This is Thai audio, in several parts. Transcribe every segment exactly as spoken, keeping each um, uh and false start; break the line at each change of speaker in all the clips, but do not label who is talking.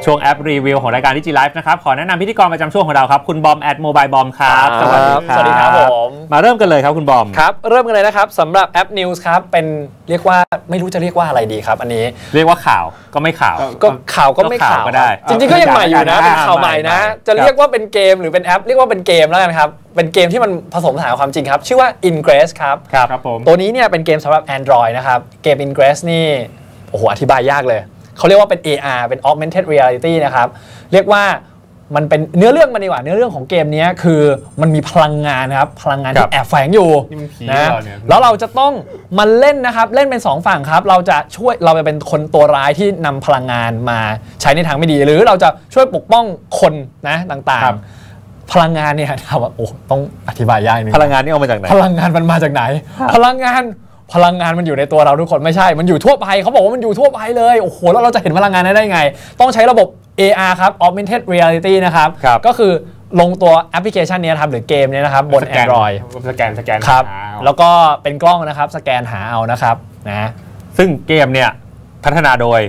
ช่วงแอปรีวิวของรายการดิจิไลฟ์นะครับขอแนะนำพิธีกรประจำช่วงของเราครับคุณบอมแอดโมบายบอมครับสวัสดีครับ
สวัสดีครับผม
มาเริ่มกันเลยครับคุณบอม
ครับเริ่มกันเลยนะครับสำหรับแอป News ครับเป็นเรียกว่าไม่รู้จะเรียกว่าอะไรดีครับอันนี้
เรียกว่าข่าวก็ไม่ข่าว
ก็ข่าวก็ไม่ข่าว
ก็ได้
จริงๆก็ยังใหม่อยู่นะเป็นข่าวใหม่นะจะเรียกว่าเป็นเกมหรือเป็นแอปเรียกว่าเป็นเกมแล้วกันครับเป็นเกมที่มันผสมผสานความจริงครับชื่อว่า Ingress ครับ
ครับผม
ตัวนี้เนี่ยเป็นเกมสำหรับ Android นะครับเกม Ingress นี่โอ้โหอธิบายยากเลยเขาเรียกว่าเป็น เอ อาร์ เป็น Augmented Reality นะครับเรียกว่ามันเป็นเนื้อเรื่องมันดีกว่าเนื้อเรื่องของเกมนี้คือมันมีพลังงานนะครับพลังงานที่แอบแฝงอยู่นะแล้วเราจะต้องมาเล่นนะครับเล่นเป็นสองฝั่งครับเราจะช่วยเราจะเป็นคนตัวร้ายที่นำพลังงานมาใช้ในทางไม่ดีหรือเราจะช่วยปกป้องคนนะต่างๆพลังงานเนี่ยถามว่าโอ้ต้องอธิบายยากนิดนึง
พลังงานนี่เอามาจากไหน
พลังงานมันมาจากไหนพลังงานพลังงานมันอยู่ในตัวเราทุกคนไม่ใช่มันอยู่ทั่วไปเขาบอกว่ามันอยู่ทั่วไปเลยโอ้โหแล้วเราจะเห็นพลังงานได้ไงต้องใช้ระบบ เอ อาร์ ครับ Augmented Reality นะครับก็คือลงตัวแอปพลิเคชันนี้ครับหรือเกมนี้นะครับบน Android
สแกนสแกน
ครับแล้วก็เป็นกล้องนะครับสแกนหาเอานะครับนะ
ซึ่งเกมเนี่ยพัฒนาโดย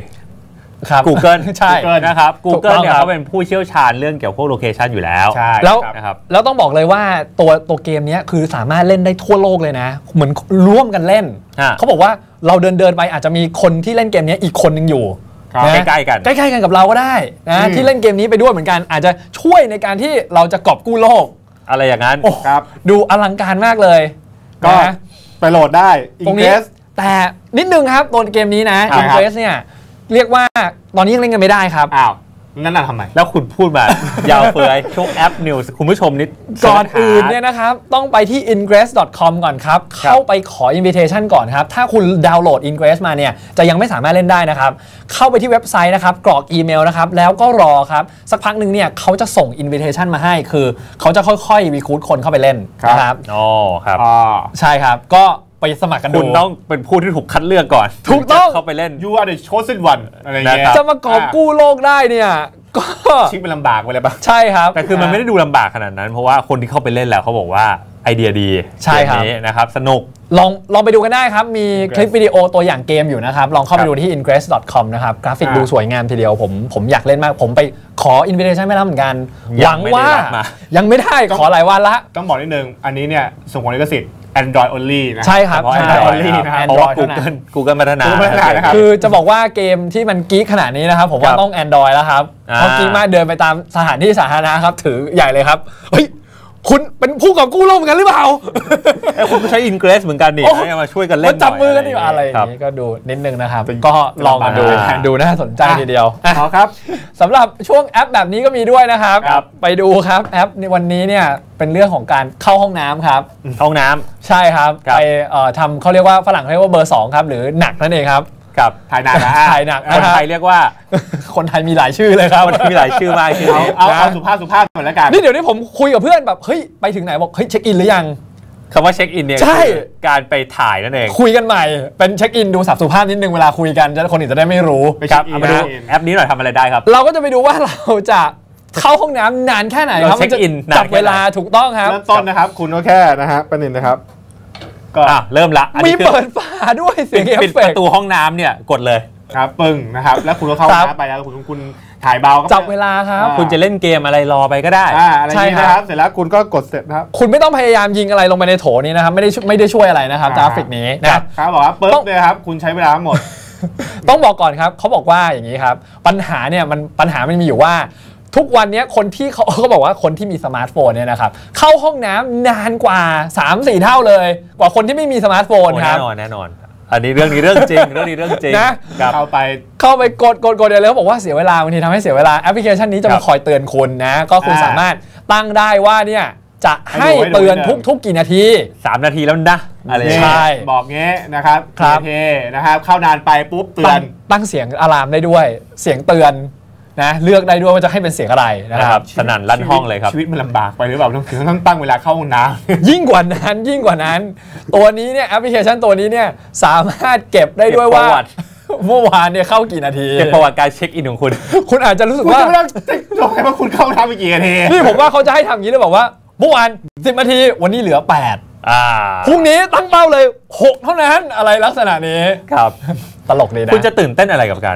Google
ใช่นะครับ Google เนี่ยเขาเป็นผู้เชี่ยวชาญเรื่องเกี่ยวกับพวกโลเคชันอยู่แล้ว
แล้วแล้วต้องบอกเลยว่าตัวตัวเกมนี้คือสามารถเล่นได้ทั่วโลกเลยนะเหมือนร่วมกันเล่นเขาบอกว่าเราเดินเดินไปอาจจะมีคนที่เล่นเกมนี้อีกคนนึงอยู่
ใกล้ๆกัน
ใกล้ๆกันกับเราก็ได้นะที่เล่นเกมนี้ไปด้วยเหมือนกันอาจจะช่วยในการที่เราจะกอบกู้โลก
อะไรอย่างนั้น
ครับดูอลังการมากเลย
ก็ไปโหลดได้
ตรงนี้แต่นิดนึงครับตัวเกมนี้นะ Ingress เนี่ยเรียกว่าตอนนี้ยังเล่นกันไม่ได้ครับ
อ้าวนั่นน่ะทำไม
แล้วคุณพูดมายาวเฟือยช่วงแอป News คุณผู้ชมนิด
ก่อนอื่นเนี่ยนะครับต้องไปที่ อินเกรส ดอท คอม ก่อนครับเข้าไปขอ invitation ก่อนครับถ้าคุณดาวน์โหลด Ingress มาเนี่ยจะยังไม่สามารถเล่นได้นะครับเข้าไปที่เว็บไซต์นะครับกรอกอีเมลนะครับแล้วก็รอครับสักพักหนึ่งเนี่ยเขาจะส่ง invitation มาให้คือเขาจะค่อยๆ recruit คนเข้าไปเล่นนะครับ
อ๋อครับ
ใช่ครับก็ไปสมัครกันดู
คุณต้องเป็นผู้ที่ถูกคัดเลือกก่อน
ถูกต้อง
เข้าไปเล่น
you are the chosen one อะไรเงี้ย
จะมากอบกู้โลกได้เนี่ยก็
ชิคเป็นลำบากไปเลยปะ
ใช่ครับ
แต่คือมันไม่ได้ดูลำบากขนาดนั้นเพราะว่าคนที่เข้าไปเล่นแล้วเขาบอกว่าไอเดียดี
ใช่ครับ
นะครับสนุก
ลองลองไปดูกันได้ครับมีคลิปวิดีโอตัวอย่างเกมอยู่นะครับลองเข้าไปดูที่ อินเกรส ดอท คอม นะครับกราฟิกดูสวยงามทีเดียวผมผมอยากเล่นมากผมไปขอ invitation ไม่รับเหมือนกันหวังว่ายังไม่ได้ขอหลายวันละ
ต้องบอกนิดนึงอันนี้เนี่ยส่งผลลิขสิทธิ์Android only นะ
ใช่ครับ
Android only นะครับ
เพราะว่า Google Google พัฒนา
คือจะบอกว่าเกมที่มันกิ๊กขนาดนี้นะครับผมว่าต้อง Android แล้วครับเพราะกิ๊กมากเดินไปตามสถานที่สาธารณะครับถือใหญ่เลยครับเฮ้ยคุณเป็นผู้กอบกู้โลกเหมือนกันหรือเปล่า
คุณก็ใช้ Ingress เหมือนกันนี่มาช่วยกันเล่น
จับมือกันดีกว่าอะไรอย่างนี้ก็ดูนิดนึงนะครับก็ลองมาดูดูน่าสนใจทีเดียว
เอาครับ
สำหรับช่วงแอปแบบนี้ก็มีด้วยนะครับไปดูครับแอปในวันนี้เนี่ยเป็นเรื่องของการเข้าห้องน้ำครับ
ห้องน้ำ
ใช่ครับไปทำเขาเรียกว่าฝรั่งเรียกว่าเบอร์สองครับหรือหนักนั่นเองครับ
กับ
ถ่ายหนักนะ
ถ่ายหนัก
คนไทยเรียกว่า
คนไทยมีหลายชื่อเลยครับ
มีหลายชื่อมากชื่อนี้
เอาเอาสุภาพสุภาพก่อนแล้วกัน
นี่เดี๋ยวนี้ผมคุยกับเพื่อนแบบเฮ้ยไปถึงไหนบอกเฮ้ยเช็คอินหรือยัง
คำว่าเช็คอินเนี่ยการไปถ่ายนั่นเอง
คุยกันใหม่เป็นเช็คอินดูสับสุภาพนิดนึงเวลาคุยกันจะคนอื่นจะได้ไม่รู้
ครับเอามาดูแอปนี้หน่อยทำอะไรได้ครับ
เราก็จะไปดูว่าเราจะเข้าห้องน้ำนานแค่ไหนครับ
เช็คอิน
จับเวลาถูกต้องครับ
เริ่มต้นนะครับคุณก็แค่นะฮะประเด็นนะครับ
ก็เริ่มละ
มีเปิดฝาด้วยเสียงเอฟเฟกต์
ปิดประตูห้องน้ำเนี่ยกดเลย
ครับปึ้งนะครับแล้วคุณก็เข้าน้ำไปแล้วคุณคุณถ่ายเบา
จับเวลาครับ
คุณจะเล่นเกมอะไรรอไปก็ได้
ใช่ครับเสร็จแล้วคุณก็กดเสร็จครับ
คุณไม่ต้องพยายามยิงอะไรลงไปในโถนี้นะครับไม่ได้ไม่ได้ช่วยอะไรนะครับกราฟิกนี้
นะครับบอกว่าปึ๊บเลยครับคุณใช้เวลาหมด
ต้องบอกก่อนครับเขาบอกว่าอย่างนี้ครับปัญหาเนี่ยมันปัญหามันมีอยู่ว่าทุกวันนี้คนที่เขาเขาบอกว่าคนที่มีสมาร์ทโฟนเนี่ยนะครับเข้าห้องน้ำนานกว่า สามสี่ เท่าเลยกว่าคนที่ไม่มีสมาร์ทโฟนครับ
แน่นอนแน่นอนอันนี้เรื่องนี้เรื่องจริงเรื่องนี้เรื่องจริง
นะ
เข้าไป
เข้าไปกดกดกดเลยแล้วบอกว่าเสียเวลาบางทีทำให้เสียเวลาแอปพลิเคชันนี้จะมาคอยเตือนคุณนะก็คุณสามารถตั้งได้ว่าเนี่ยจะให้เตือนทุกทุกกี่นาที
สามนาทีแล้วนะ
อะไรใช่บอกเงี้ยนะครับโอเคนะครับเข้านานไปปุ๊บเตือน
ตั้งเสียงอะลามได้ด้วยเสียงเตือนนะเลือกได้ด้วยว่าจะให้เป็นเสียงอะไรนะครับ
สนั่นลั่นห้องเลยครับ
ชีวิตมันลำบากไปหรือเปล่าต้องถึงต้องตั้งเวลาเข้าห้องน้
ำยิ่งกว่านั้นยิ่งกว่านั้นตัวนี้เนี่ยแอปพลิเคชันตัวนี้เนี่ยสามารถเก็บได้ด้วยว่าเมื่อวานเนี่ยเข้ากี่นาที
เก็บประวัติการเช็คอินของคุณ
คุณอาจจะรู้สึกว่า
คุณจะไม่ต้องบอกให้ว่าคุณเข้าน้ำไปกี่นาที
นี่ผมว่าเขาจะให้ทำอย่างนี้เลยบอกว่าเมื่อวานสิบนาทีวันนี้เหลือแปดพรุ่งนี้ตั้งเป้าเลยหกเท่านั้นอะไรลักษณะนี้
ครับ
ตลกดีนะ
คุณจะตื่นเต้นอะไรกับการ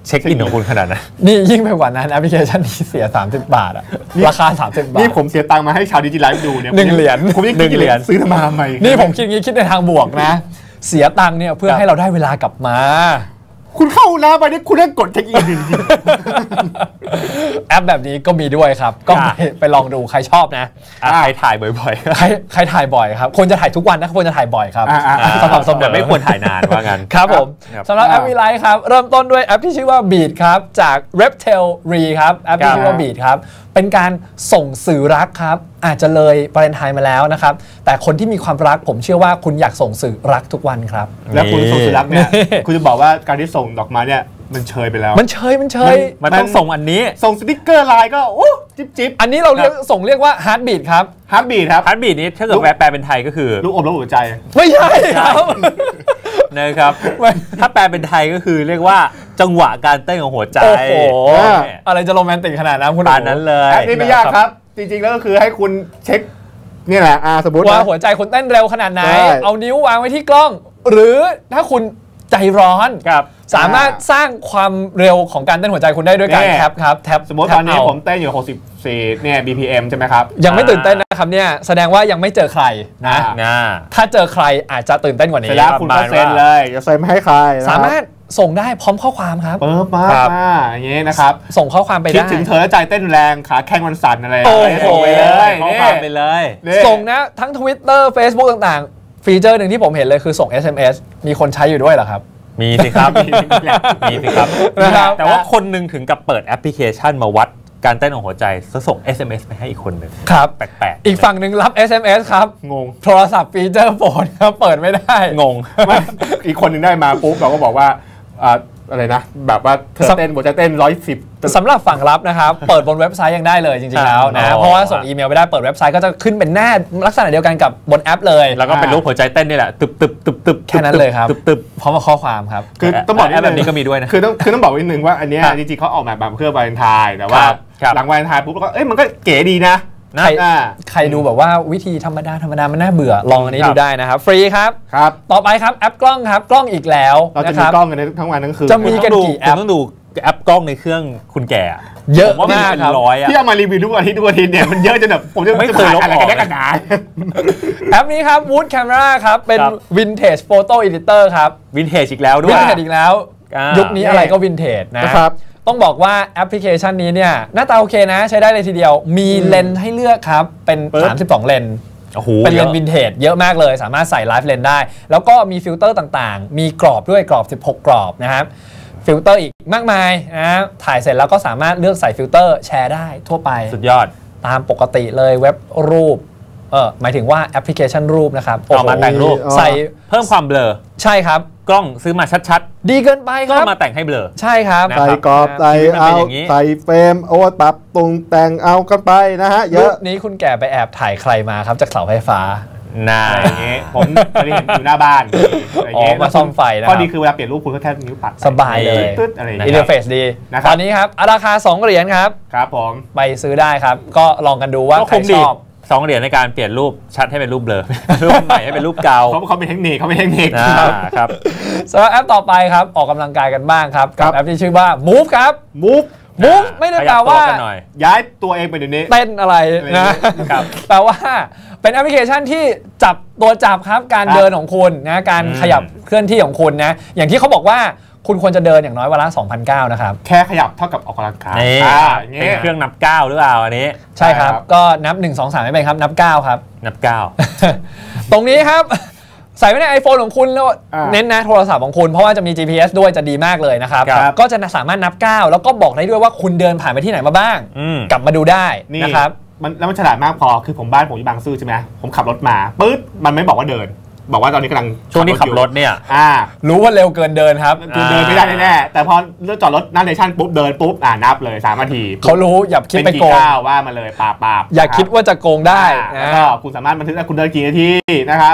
เช็คอินของคุณขนาดนั้น
นี่ยิ่งไปกว่านั้นแอปพลิเคชันนี้เสียสามสิบบาทอะราคาสามสิบบาท
นี่ผมเสียตังค์มาให้ชาวดิจิไลฟ์ดูเนี่ย
หนึ่งเหรียญ
ผมยังคิดเหรียญซื้อทำไมทำไม
นี่ผมคิดงี้คิดในทางบวกนะเสียตังค์เนี่ยเพื่อให้เราได้เวลากลับมา
คุณเข้าแล้วไปนี่คุณต้องกดเช็คอินจริง
แอปแบบนี้ก็มีด้วยครับก็ไปลองดูใครชอบนะ
ใครถ่ายบ่อย
ๆใครใครถ่ายบ่อยครับควรจะถ่ายทุกวันนะควรจะถ่ายบ่อยครับ
สำหรับสมแต่ไม่ควรถ่ายนานว่างั้น
ครับผมสำหรับแอปวีไลท์ครับเริ่มต้นด้วยแอปที่ชื่อว่า Beat ครับจาก Reptel Re ครับแอปที่ชื่อว่า Beat ครับเป็นการส่งสื่อรักครับอาจจะเลยวาเลนไทน์มาแล้วนะครับแต่คนที่มีความรักผมเชื่อว่าคุณอยากส่งสื่อรักทุกวันครับ
แล้วคุณส่งสื่อรักเนี่ยคุณจะบอกว่าการที่ส่งดอกไม้เนี่ยมันเชยไปแล้ว
มันเชยมันเชย
มันต้องส่งอันนี้
ส่งสติ๊กเกอร์ไลน์ก็โอ้จิ๊บจิ๊บ
อันนี้เราเรียกส่งเรียกว่าฮาร์ดบีทครับ
ฮาร์ดบีทครับ
ฮาร์ดบีทนี้ถ้าเกิดแปลเป็นไทยก็คือ
ลูกอมลูกหัวใจ
ไม่ใช่ครับ
นะครับถ้าแปลเป็นไทยก็คือเรียกว่าจังหวะการเต้นของหัวใจ
โอ้โหอะไรจะโรแมนติกขนาดนั้นคุณ
ปานนั้นเลย
แอปนี้ไม่ยากครับจริงๆแล้วก็คือให้คุณเช็คนี่แหละอ่าสมมติ
ว่าหัวใจคุณเต้นเร็วขนาดไหนเอานิ้ววางไว้ที่กล้องหรือถ้าคุณใจร้อนสามารถสร้างความเร็วของการเต้นหัวใจคุณได้ด้วยการแท็บครับแท็บ
สมมติตอนนี้ผมเต้นอยู่หกสิบสี่เนี่ย บี พี เอ็ม ใช่ไหมครับ
ยังไม่ตื่นเต้นนะครับเนี่ยแสดงว่ายังไม่เจอใครนะถ้าเจอใครอาจจะตื่นเต้นกว่านี้
แล้วคุณก็เซ็นเลยจะเซ็นไม่ให้ใคร
สามารถส่งได้พร้อมข้อความครับ
เปิดมาอย่างนี้นะครับ
ส่งข้อความไปได้
คิดถึงเธอแล้วใจเต้นแรงขาแข้งวันสั่นอะไรส่งไปเลย
ข้อความไปเลย
ส่งนะทั้ง Twitter Facebook ต่างๆฟีเจอร์หนึ่งที่ผมเห็นเลยคือส่ง เอส เอ็ม เอส มีคนใช้อยู่ด้วยเหรอครับ
มีสิครับมีสิครับแต่ว่าคนหนึ่งถึงกับเปิดแอปพลิเคชันมาวัดการเต้นของหัวใจส่ง เอส เอ็ม เอส ไปให้อีกคนหนึ่ง
ครับ
แปลก
ๆอีกฝั่งหนึ่งรับ เอส เอ็ม เอส ครับ
งง
โทรศัพท์ฟีเจอร์โฟนครับเปิดไม่ได้
งง
อีกคนหนึ่งได้มาปุ๊บเราก็บอกว่าอะไรนะแบบว่าเธอเต้นหัวใจเต้นร้อยสิบ
สำหรับฝั่งรับนะครับเปิดบนเว็บไซต์ยังได้เลยจริงๆแล้วนะเพราะว่าส่งอีเมลไปได้เปิดเว็บไซต์ก็จะขึ้นเป็นหน้าลักษณะเดียวกันกับบนแอปเลย
แล้วก็เป็นรูปหัวใจเต้นนี่แหละตึบตึบตึบตึบ
แค่นั้นเลยครับตึบตึบพร้อมกับข้อความครับ
คือต้องบอก
แบบนี้ก็มีด้วยนะ
คือต้องคือต้องบอกนิดนึงว่าอันนี้จริงๆเขาออกแบบเพื่อวาเลนไทน์แต่ว่าหลังวาเลนไทน์ปุ๊บก็เอ้ยมันก็เก๋ดีนะ
ใครใครดูแบบว่าวิธีธรรมดาธรรมดามันน่าเบื่อลองอันนี้ดูได้นะครับฟรีครับ
ครับ
ต่อไปครับแอปกล้องครับกล้องอีกแล้ว
เราจะมีกล้องกันทั้งวันทั้งคืน
จะมีกันกี่แอป
ต้องดูแอปกล้องในเครื่องคุณแก่
เยอะมากครับ
ที่เอามารีวิวทุกอาทิตย์ทุกอาทิตย์เนี่ยมันเยอะจนแบบผมจะ
ไม่เคยลบออก
กันได้
แอปนี้ครับ Wood Camera ครับเป็น Vintage Photo Editor ครับ
Vintage อีกแล้วด้วย
Vintage อีกแล้วยุคนี้อะไรก็ Vintage นะครับต้องบอกว่าแอปพลิเคชันนี้เนี่ยหน้าตาโอเคนะใช้ได้เลยทีเดียวมีเลนส์ให้เลอกครับเป็นสามสิบสองเลนส์เป็นเลนส์วินเทจเยอะมากเลยสามารถใส่ไลฟ์เลนส์ได้แล้วก็มีฟิลเตอร์ต่างๆมีกรอบด้วยกรอบสิบหกกรอบนะครับฟิลเตอร์อีกมากมายนะถ่ายเสร็จแล้วก็สามารถเลือกใส่ฟิลเตอร์แชร์ได้ทั่วไป
สุดยอด
ตามปกติเลยเว็บรูปเออหมายถึงว่าแอปพลิเคชันรูปนะครับ
ออกมาแต่งรูป
ใส่
เพิ่มความเบลอ
ใช่ครับ
กล้องซื้อมาชัด
ๆดีเกินไปครับ
ก็มาแต่งให้เบลอ
ใช่ครับ
ใส่กรอบใส่เอาใส่เฟรมโอ้ปรับตรงแต่งเอากันไปนะฮะเยอะ
นี้คุณแก่ไปแอบถ่ายใครมาครับจากเสาไฟฟ้า
น่า
อย่างเงี้ยผมเคยเห็นอยู่หน้าบ้าน
อ๋อมาซ่อมไฟนะ
ข้อดีคือเวลาเปลี่ยนรูปคุณก็แค่นิ้วปัด
สบายเลย
ตึ๊ดอะไร
อินเทอร์เฟซดีตอนนี้ครับราคาสองเหรียญครับ
ครับผม
ไปซื้อได้ครับก็ลองกันดูว่าใครชอบ
สองเหรียญในการเปลี่ยนรูปชัดให้เป็นรูปเบลอรูปใหม่ให้เป็นรูปเก่า
เขาเขาเป็นเทคนิคเขาเป็นเทคนิค
ครับ
สำหรับแอปต่อไปครับออกกำลังกายกันบ้างครับกับแอปที่ชื่อว่า Move ครับ
Move
Move ไม่ได้แปลว่า
ย้ายตัวเองไปเดี๋ยวนี้
เต้นอะไรนะแปลว่าเป็นแอปพลิเคชันที่จับตัวจับครับการเดินของคุณนะการขยับเคลื่อนที่ของคุณนะอย่างที่เขาบอกว่าคุณควรจะเดินอย่างน้อยวันละ สองพันเก้าร้อย นะครับ
แค่ขยับเท่ากับออกกำลังกาย
นี่เป็นเครื่องนับก้าวหรือเปล่าอันนี้
ใช่ครับก็นับหนึ่ง สอง สามไม่เป็นครับนับเก้าครับ
นับเก้า
ตรงนี้ครับใส่ไว้ใน iPhone ของคุณแล้วเน้นนะโทรศัพท์ของคุณเพราะว่าจะมี จี พี เอส ด้วยจะดีมากเลยนะครับก็จะสามารถนับก้าวแล้วก็บอกได้ด้วยว่าคุณเดินผ่านไปที่ไหนมาบ้างกลับมาดูได้นะครับ
มันแล้วมันฉลาดมากพอคือผมบ้านผมอยู่บางซื่อใช่ไหมผมขับรถมาปึ๊ดมันไม่บอกว่าเดินบอกว่าตอนนี้กำลัง
ช่วงนี้ขับรถเนี่ย
อ่ารู้ว่าเร็วเกินเดินครับ
คือเดินไม่ได้แน่แต่พอเลือกจอดรถหน้าสเตชันปุ๊บเดินปุ๊บอ่านับเลยสามนาที
เขารู้อย่าคิดไปโกง
ว่ามาเลยปาบปาบ
อย่าคิดว่าจะโกงได้
แล้วก็คุณสามารถบันทึกได้คุณเดินกี่นาทีนะครับ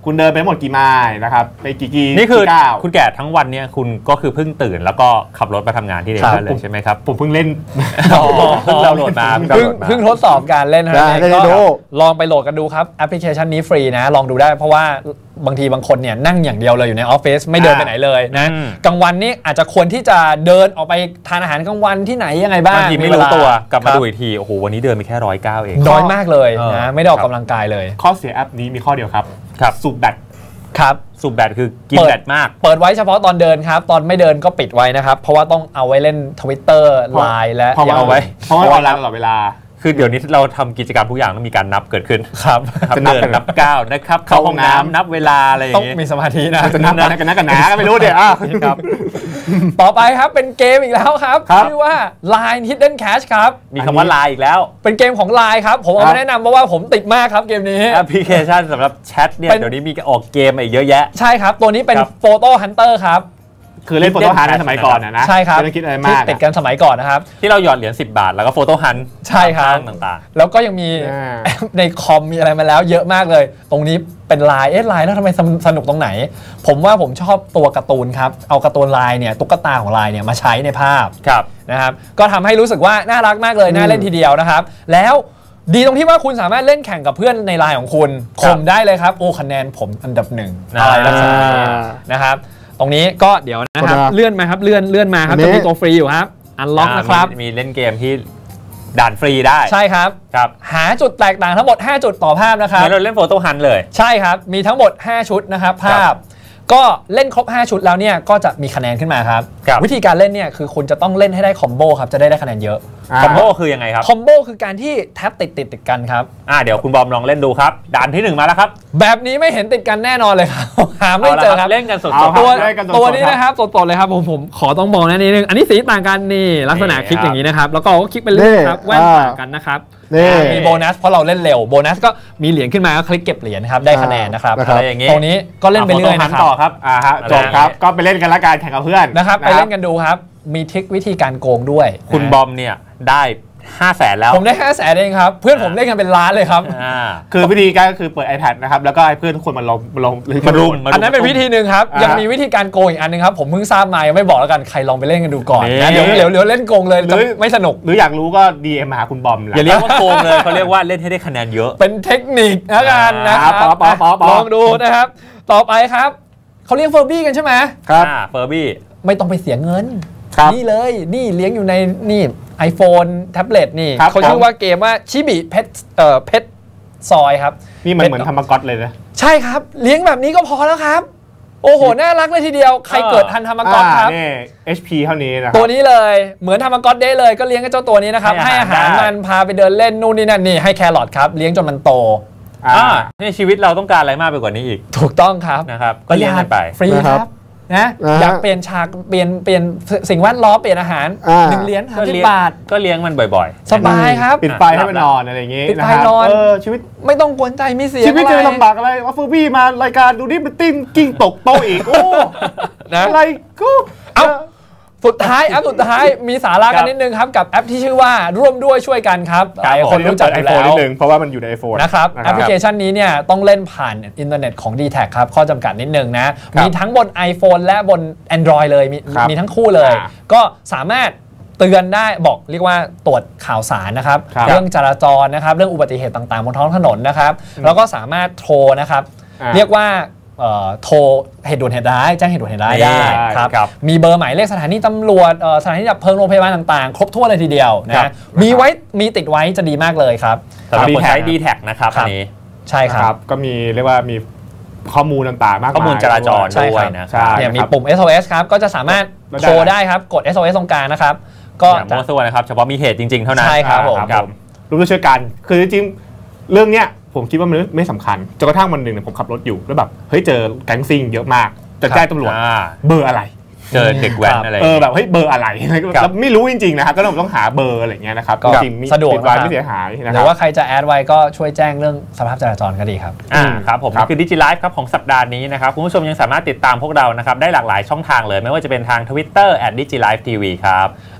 คุณเดินไปหมดกี่ไมล์นะครับไปกี่กี่
นี่คือ
ก้าว
คุณแก่ทั้งวันเนี่ยคุณก็คือเพิ่งตื่นแล้วก็ขับรถมาทำงานที่เดนเลยใช่ไหมครับ
ผมเพิ่งเล่น
เพิ่งดาวน์โหลดมา
เพิ่งเพิ่งทดสอบการเล่นนะก็ลองไปโหลดกันดูครับแอปพลิเคชันนี้ฟรีนะลองดูได้เพราะว่าบางทีบางคนเนี่ยนั่งอย่างเดียวเลยอยู่ในออฟฟิศไม่เดินไปไหนเลยนะกลางวันนี้อาจจะควรที่จะเดินออกไปทานอาหารกลางวันที่ไหนยังไงบ้าง
บางทีไม่รู้ตัวกลับมาดูอีกทีโอ้โหวันนี้เดินไปแค่ร้อยเก้าเอง
น้อยมากเลยนะไม่ได้ออกกำลังกายเลย
ข้อเสียแอปนี้มีข้อเดียวครับ
ครับ
สูบแบต
ครับ
สูบแบตคือกินแบตมาก
เปิดไว้เฉพาะตอนเดินครับตอนไม่เดินก็ปิดไว้นะครับเพราะว่าต้องเอาไว้เล่น Twitter ไลน์และ
เอาไว้เพราะว่าเราตลอดเวลา
คือเดี๋ยวนี้เราทำกิจกรรมทุกอย่างต้องมีการนับเกิดขึ้น
ครับ
จะนับนับก้าวนะครับเข้าห้องน้ำนับเวลาอะไรอย่าง
เงี้ยต้องมีสมาธินะ
จะนับกันกันนักกันหนาก็ไม่รู้เดี๋ยว
ครับต่อไปครับเป็นเกมอีกแล้วครับชื่อว่า Line Hidden Cash ครับ
มีคำว่า Line อีกแล้ว
เป็นเกมของ Line ครับผมเอามาแนะนำเพราะว่าผมติดมากครับเกมนี้
แอปพลิเคชันสำหรับแชทเนี่ยเดี๋ยวนี้มีออกเกมอีกเยอะแยะ
ใช่ครับตัวนี้เป็น Photo Hunter ครับ
คือเล่นโฟโต้ฮันต์ในสมัยก่อนนะ
ใช่ครับ
ไม่ต้องคิดอะไรมาก
ติดกันสมัยก่อนนะครับ
ที่เราหยอดเหรียญสิบบาทแล้วก็โฟโต้ฮันต์
ใช่ครับ
ต่าง
ๆแล้วก็ยังมีในคอมมีอะไรมาแล้วเยอะมากเลยตรงนี้เป็นลายเอ๊ะลายแล้วทำไมสนุกตรงไหนผมว่าผมชอบตัวการ์ตูนครับเอาการ์ตูนลายเนี่ยตุ๊กตาของลายเนี่ยมาใช้ในภาพนะครับก็ทำให้รู้สึกว่าน่ารักมากเลยน่าเล่นทีเดียวนะครับแล้วดีตรงที่ว่าคุณสามารถเล่นแข่งกับเพื่อนในไลน์ของคุณข่มได้เลยครับโอ้คะแนนผมอันดับหนึ่งอะไรลักษณะนี้นะครับตรงนี้ก็เดี๋ยวนะครับเลื่อนมาครับเลื่อนเลื่อนมาครับจะมีตัวฟรีอยู่ครับอันล็อกนะครับ
มีเล่นเกมที่ด่านฟรีได้
ใช่ครับ
ครับ
หาจุดแตกต่างทั้งหมดห้าจุดต่อภาพนะครับ
เราเล่นโฟโต้ฮันต์เลย
ใช่ครับมีทั้งหมดห้าชุดนะครับภาพก็เล่นครบห้าชุดแล้วเนี่ยก็จะมีคะแนนขึ้นมาครับวิธีการเล่นเนี่ยคือคุณจะต้องเล่นให้ได้คอมโบครับจะได้ได้คะแนนเยอะ
คอมโบคือยังไงครับ
คอมโบคือการที่แท็บติดติดติดกันครับ
อ่าเดี๋ยวคุณบอมลองเล่นดูครับด่านที่หนึ่งมาแล้วครับ
แบบนี้ไม่เห็นติดกันแน่นอนเลยครับหาไม่เจอครับ
เล่นกันสด
ๆตัวตัวนี้นะครับสดๆเลยครับผมผมขอต้องบอกนะนิดนึงอันนี้สีต่างกันนี่ลักษณะคลิกอย่างนี้นะครับแล้วก็คลิกไปเรื่อยครับแว่นต่างกันนะครับมีโบนัสเพราะเราเล่นเร็วโบนัสก็มีเหรียญขึ้นมาก็คลิกเก็บเหรียญครับได้คะแนนนะครับอะไรอย่างนี้ตรงนี้ก็เล่นไปเรื่อยนะครับ
ต่อครับ
อ่าฮะจบครับก็ไปเล่นกันละกันแข่งกับเพื่อน
นะครับไปเล่นกันดูครับมีทริควิธีการโกงด้วย
คุณบอมเนี่ยได้ห้าแสนแล้ว
ผมได้ห้าแสนเองครับเพื่อนผมเล่นกันเป็นล้านเลยครับ
คือวิธีการก็คือเปิด iPad นะครับแล้วก็ให้เพื่อนทุกคนมาลงลง
มารุม
อันนั้นเป็นวิธีหนึ่งครับยังมีวิธีการโกงอีกอันนึงครับผมเพิ่งทราบมายังไม่บอกแล้วกันใครลองไปเล่นกันดูก่อนนะเดี๋ยวเดี๋ยวเดี๋ยวเล่นโกงเลยไม่สนุก
หรืออยากรู้ก็ ดี เอ็ม มาหาคุณบอม
อย่าเรียกว่าโกงเลยเขาเรียกว่าเล่นให้ได้คะแนนเยอะ
เป็นเทคนิคแล้วกันนะครับลองดูนะครับต่อไปครับเขาเลี้ยงเฟอร์บี้กันใช่ไหม
ครับเฟอร์บี้
ไม่ต้องไปเสียเงินนี่เลยนี่เลี้ยงอยู่ในนี่ iPhone แท็บเล็ตนี่เขาชื่อว่าเกมว่าชิบิเพชเอ่อเพชซอยครับ
นี่มันเหมือนทำมากอตเลยนะ
ใช่ครับเลี้ยงแบบนี้ก็พอแล้วครับโอ้โหน่ารักเลยทีเดียวใครเกิดทันทำมากอตครับ
นี่ เอช พี เท่านี้นะ
ตัวนี้เลยเหมือนทำมากอตได้เลยก็เลี้ยงกับเจ้าตัวนี้นะครับให้อาหารมันพาไปเดินเล่นนู่นนี่นั่นนี่ให้แครอทครับเลี้ยงจนมันโต
อ่าในชีวิตเราต้องการอะไรมากไปกว่านี้อีก
ถูกต้องครับ
นะครับก็เลี้ยงไป
ฟรีครับนะอยากเปลี่ยนฉากเปลี่ยนเปลี่ยนสิ่งแวดล้อมเปลี่ยนอาหารหนึ่งเหรียญห้าสิบบาท
ก็เลี้ยงมันบ่อย
ๆสบายครับ
ปิดไฟให้มันนอนอะไรอย่างงี้
ปิดไฟนอน
ชีวิต
ไม่ต้องกวนใจไม่เสีย
ชีวิตจะลำบากอะไรว่าเฟอร์บี้มารายการดูนี่มันติ้งกิ้งตกโตอีกโอ้อะไรกู
เอ้าสุดท้ายแอปสุดท้ายมีสาระกันนิดนึงครับกับแอปที่ชื่อว่าร่วมด้วยช่วยกันครับหลายคนรู้จักอยู่แล้ว
นิดนึงเพราะว่ามันอยู่ใน iPhone
นะครับแอปพลิเคชันนี้เนี่ยต้องเล่นผ่านอินเทอร์เน็ตของ ดี แท็ก ครับข้อจำกัดนิดนึงนะมีทั้งบน iPhone และบน Android เลยมีมีทั้งคู่เลยก็สามารถเตือนได้บอกเรียกว่าตรวจข่าวสารนะครับเรื่องจราจรนะครับเรื่องอุบัติเหตุต่างๆบนท้องถนนนะครับแล้วก็สามารถโทรนะครับเรียกว่าโทรเหตุด่วนเหตุร้ายแจ้งเหตุด่วนเหตุร้ายได้ครับมีเบอร์หมายเลขสถานีตำรวจสถานีดับเพลิงโรงพยาบาลต่างๆครบถ้วนเลยทีเดียวนะมีไว้มีติดไว้จะดีมากเลยครับ
สำหรับคนใช้ ดี แท็ก นะครับอันนี้
ใช่ครับ
ก็มีเรียกว่ามีข้อมูลต่างๆมากมาย
ข้อมูลจราจรด้วยนะ
เนี่ยมีปุ่ม เอส โอ เอส ครับก็จะสามารถโทรได้ครับกด เอส โอ เอส ตรงกลางนะครับ
ก็จะมั่วซั่วนะครับเฉพาะมีเหตุจริงๆเท่านั้น
ใช่ครับผม
รู้ด้วยช่วยกันคือจริงๆเรื่องเนี้ยผมคิดว่ามันไม่สำคัญจนกระทั่งวันหนึ่งเนี่ยผมขับรถอยู่แล้วแบบเฮ้ยเจอแก๊งซิ่งเยอะมากจะแจ้งตำรวจเบอร์อะไร
เจอเด็กแว้นอะไร
เออแบบเฮ้ยเบอร์อะไรแล้วไม่รู้จริงๆนะครับก็ต้องต้องหาเบอร์อะไรเงี้ยนะครับ
ก็สะดวก
ไว้ไม่เสียหายนะครับ
หรือว่าใครจะแอดไว้ก็ช่วยแจ้งเรื่องสภาพจราจรก็ดีครับ
อ่าครับผมนี่คือ DigiLife ครับของสัปดาห์นี้นะครับคุณผู้ชมยังสามารถติดตามพวกเรานะครับได้หลากหลายช่องทางเลยไม่ว่าจะเป็นทาง Twitter แอท ดิจิไลฟ์ทีวี ครับ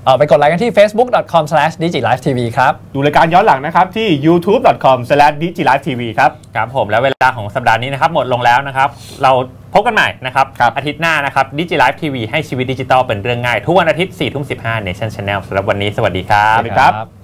เออไปกดไลค์กันที่ เฟซบุ๊ก ดอท คอม สแลช ดิจิ ไลฟ์ ที วี ครับ
ดูรายการย้อนหลังนะครับที่ ยูทูบ ดอท คอม สแลช ดิจิ ไลฟ์ ที วี ครับ
ครับผมแล้วเวลาของสัปดาห์นี้นะครับหมดลงแล้วนะครับเราพบกันใหม่นะครับอาทิตย์หน้านะครับ Digi Live ที วี ให้ชีวิตดิจิทัลเป็นเรื่องง่ายทุกวันอาทิตย์ สี่ทุ่มสิบห้า Nation Channel สำหรับวันนี้สวัสดีครับ
สวัสดีครับ